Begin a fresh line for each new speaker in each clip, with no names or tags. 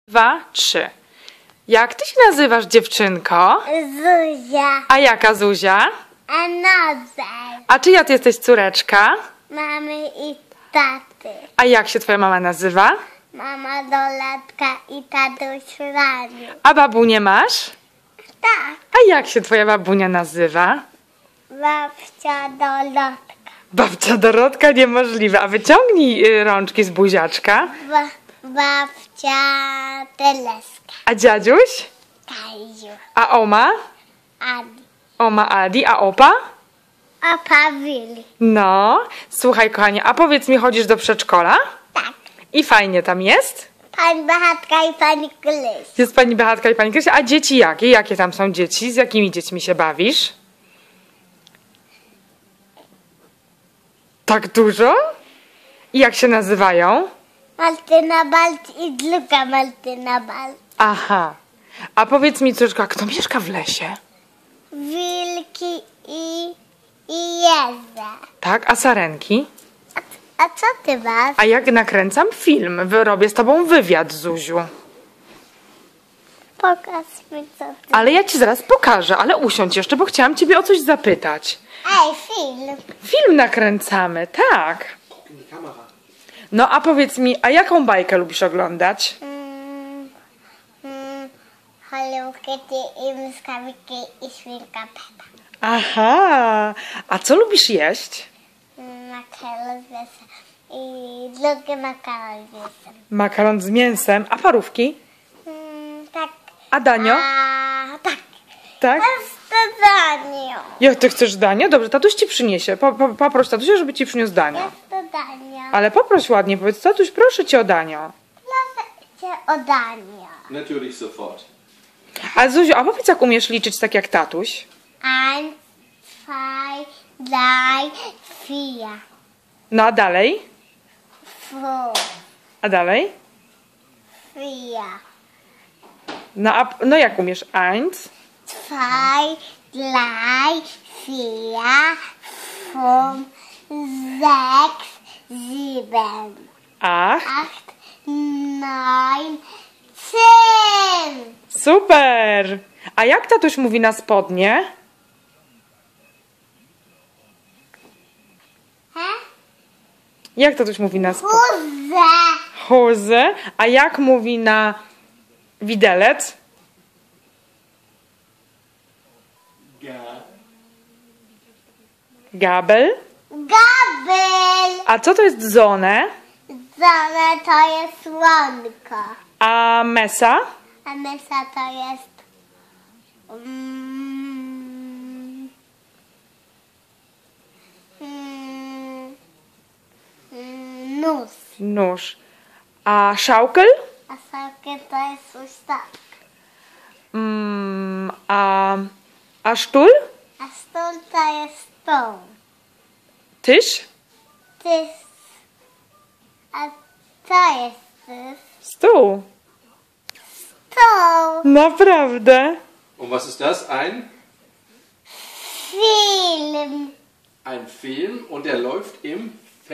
2, 3. Jak ty się nazywasz, dziewczynko?
Zuzia.
A jaka Zuzia?
Another.
A czyja ty jesteś córeczka?
Mamy i taty.
A jak się twoja mama nazywa?
Mama Dolatka i tatuś Raniu.
A babunię masz?
Tak.
A jak się twoja babunia nazywa?
Babcia Dolatka.
Babcia Dorotka, niemożliwe. A wyciągnij rączki z buziaczka.
Babcia Teleska.
A dziadziuś?
Kaziu.
A oma?
Adi.
Oma Adi. A opa?
A Pawili.
No, słuchaj kochanie, a powiedz mi, chodzisz do przedszkola?
Tak.
I fajnie tam jest?
Pani Beatka i pani Kryś.
Jest pani Beatka i pani Krysia. A dzieci jakie? Jakie tam są dzieci? Z jakimi dziećmi się bawisz? Tak dużo? I jak się nazywają?
Martyna Balt i druga Martyna Balt.
Aha. A powiedz mi, córeczko, kto mieszka w lesie?
Wilki i Jeze.
Tak, a sarenki?
A co ty masz?
A jak nakręcam film, robię z tobą wywiad, Zuziu.
Pokaż mi co ty.
Ale ja ci zaraz pokażę, ale usiądź jeszcze, bo chciałam ciebie o coś zapytać.
Ej, film.
Film nakręcamy, tak. No a powiedz mi, a jaką bajkę lubisz oglądać?
Hello Kitty i Myskawiki i Świnka Pepa.
Aha, a co lubisz jeść?
Makaron z mięsem i drugi makaron z mięsem.
Makaron z mięsem, a parówki?
Tak.
A danio?
A, tak.
Tak?
Z dodaniem.
Jak ty chcesz danio? Dobrze, tatuś ci przyniesie. Poproś tatusia, żeby ci przyniósł danio.
Z dodaniem.
Ale poproś ładnie, powiedz, tatuś, proszę cię o danio.
Proszę cię o danie.
Natürlich sofort.
A Zuziu, a powiedz, jak umiesz liczyć tak jak tatuś?
1, 2, 3, 4,
No a dalej?
5,
A dalej?
4,
No jak umiesz? 1,
2, 3, 4, 5, 6, 7,
8.
8, 9, 10.
Super! A jak tatuś mówi na spodnie? Jak tatuś mówi na spodnie?
Huzę.
Hose. A jak mówi na widelec? Gabel.
Gabel.
A co to jest zone?
Zone to jest słonko.
A mesa?
A mysa to jest... Nóż.
Nóż. A szałkel?
A sokiem to jest coś tak.
A sztul?
A stół to jest stół.
Tyś?
Tyś. A co jest tyś?
Stół.
Stół.
Naprawdę?
Und was ist das?
Film.
Ein Film und der läuft im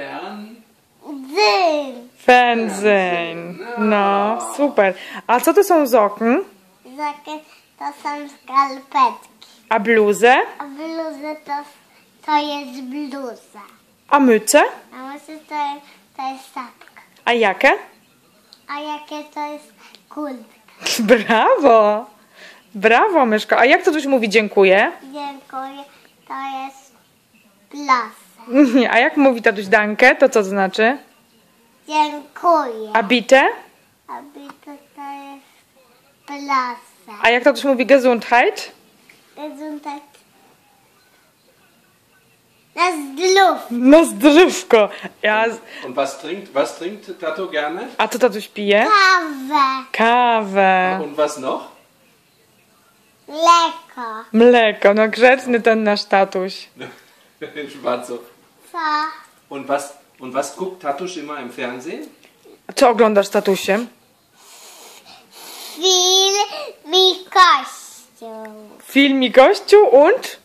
Dym.
Pędzeń. No, super. A co to są z okn?
Zakie to są skarpetki.
A bluzę?
A bluzy to jest bluza.
A myce?
A może to jest sapka.
A jakie?
A jakie to jest kurtka?
Brawo! Brawo, myszko. A jak to coś mówi dziękuję?
Dziękuję. To jest plasa.
A jak mówi tatuś dankę, to znaczy?
Dziękuję.
A bite?
A bito to jest plasa.
A jak tatuś mówi Gesundheit?
Gesundheit. Na zdrów.
No zdrówko.
Und was trinkt Tato gerne?
A co tatuś pije?
Kawę.
Kawę.
Und was noch?
Mleko.
Mleko. No grzeczny ten nasz tatuś.
Schwarzo.
Co?
Und was guckt Tatusch immer im Fernsehen?
Co oglądasz, tatusiem?
Film i kościół.
Film i kościół und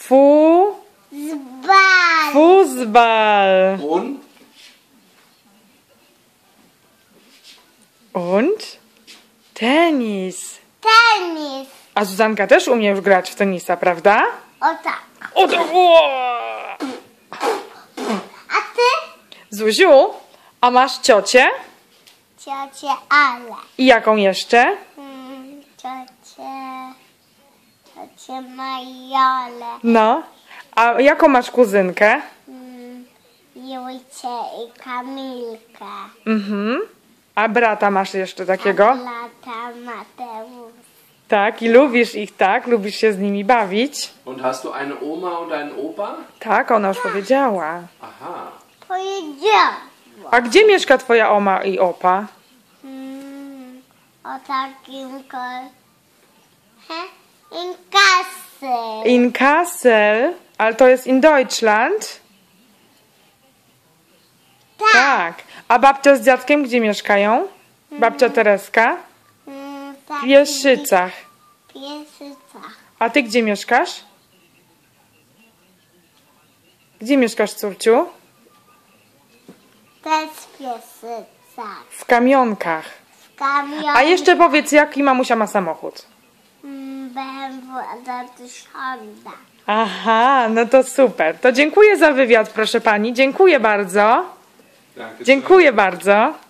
Zbal.
Fußball.
Und
Und? Tenis.
Tenis.
A Zuzanka też umie już grać w tenisa, prawda?
O tak.
O, to...
A ty?
Zuziu, a masz ciocię?
Ciocię Ale.
I jaką jeszcze?
Ciocię Majolę.
No. A jaką masz kuzynkę?
Julcie i Kamilkę.
Mhm. A brata masz jeszcze takiego?
Lata Mateusz.
Tak, i lubisz ich, tak? Lubisz się z nimi bawić?
Und hast du eine Oma und einen Opa?
Tak, ona już powiedziała.
Aha.
Powiedziałam.
A gdzie mieszka twoja oma i opa?
O takim in Kassel.
In Kassel, ale to jest in Deutschland? Tak. A babcia z dziadkiem gdzie mieszkają? Babcia Tereska? W Pieszycach.
Pieszycach.
A ty gdzie mieszkasz? Gdzie mieszkasz, córciu?
Też w Pieszycach.
W Kamionkach.
W Kamionie.
A jeszcze powiedz, jaki mamusia ma samochód?
BMW z Honda.
Aha, no to super. To dziękuję za wywiad, proszę pani. Dziękuję bardzo.
Danke.
Dziękuję bardzo.